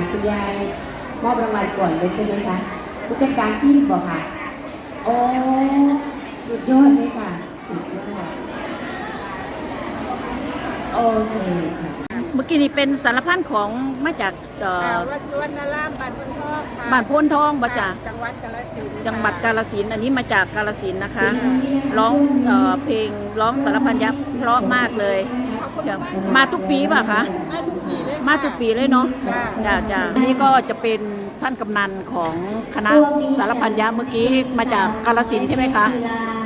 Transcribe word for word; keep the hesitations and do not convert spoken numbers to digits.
คุณยายมอบรางวัลก่อนเลยใช่ไหมคะผู้จัดการทีมบอกค่ะโอ้สุดยอดเลยค่ะสุดยอดโอเคค่ะเมื่อกี้นี่เป็นสารพันของมาจากเอ่อวัดสุวรรณารามบ้านพนทองค่ะบ้านโพนทองบ่จ้ะจังหวัดกาฬสินธุ์จังหวัดกาฬสินธุ์อันนี้มาจากกาฬสินธุ์นะคะ ร้องเอ่อเพลงร้องสารพันยักษ์เพราะมากเลยมาทุกปีป่ะคะมาทุกปีเลยมาทุกปีเลยเนาะค่ะจ้ะจ้ะนี่ก็จะเป็นท่านกำนันของคณะสารพันยักษ์เมื่อกี้มาจากกาฬสินธุ์ใช่ไหมคะค